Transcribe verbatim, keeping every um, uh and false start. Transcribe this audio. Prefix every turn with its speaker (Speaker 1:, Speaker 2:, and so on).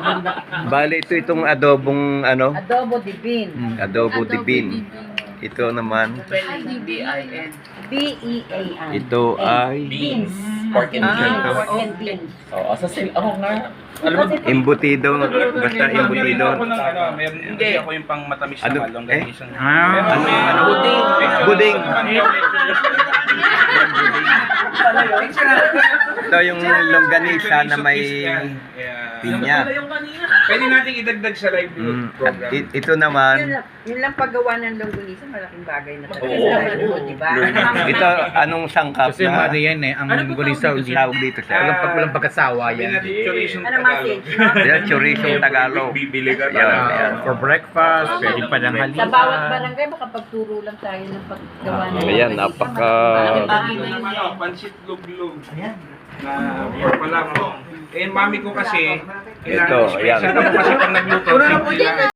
Speaker 1: Bali, ito itong adobong ano?
Speaker 2: Adobo de bean.
Speaker 1: Mm, adobo de bean. Ito naman,
Speaker 2: B E A N.
Speaker 1: ito ay
Speaker 2: Beans.
Speaker 3: Pork and
Speaker 2: Ah,
Speaker 3: beans.
Speaker 2: pork and beans.
Speaker 3: Oo, sa sil... Ako nga. Alam mo,
Speaker 1: embutido. Basta embutido.
Speaker 4: Ako ng ano, meron hindi ako yung pang matamis
Speaker 1: Ano?
Speaker 4: na longganisa.
Speaker 1: Ah,
Speaker 4: Meron
Speaker 1: ano,
Speaker 4: may
Speaker 1: ano?
Speaker 4: buding.
Speaker 1: Buding.
Speaker 4: Buding.
Speaker 1: Ito yung longganisa na may pinya.
Speaker 4: Pwede nating idagdag sa live
Speaker 1: Mm, at
Speaker 4: program.
Speaker 1: i- ito naman,
Speaker 2: Yun lang, yun lang paggawa ng longganisa, malaking bagay na talaga
Speaker 3: Oo.
Speaker 2: sa live, di ba?
Speaker 1: ito anong sangkap
Speaker 5: Kasi
Speaker 1: na
Speaker 5: ano yan eh, ang gulisa
Speaker 1: tawag dito siya?
Speaker 5: walang, pag, walang pagkasawa
Speaker 4: Sabi
Speaker 5: yan.
Speaker 4: natin chorizo
Speaker 2: Ano
Speaker 4: Tagalog.
Speaker 2: message?
Speaker 1: Yan, chorizong Tagalog.
Speaker 4: Bibili ka
Speaker 1: Yan,
Speaker 5: Ah,
Speaker 1: yan.
Speaker 5: for breakfast, pwede pa ng
Speaker 2: Sa
Speaker 5: halian.
Speaker 2: bawat barangay, makapagturo lang tayo ng paggawa ng
Speaker 1: Ayan,
Speaker 2: longganisa.
Speaker 1: napaka-
Speaker 2: Malaking bagay
Speaker 4: Ito
Speaker 2: na yun.
Speaker 4: naman oh, pansit luglug. Na pork pala po. Eh, mami ko kasi,
Speaker 1: Ito, ayan.
Speaker 4: Siya naman kasi pag nagluto, simple lang.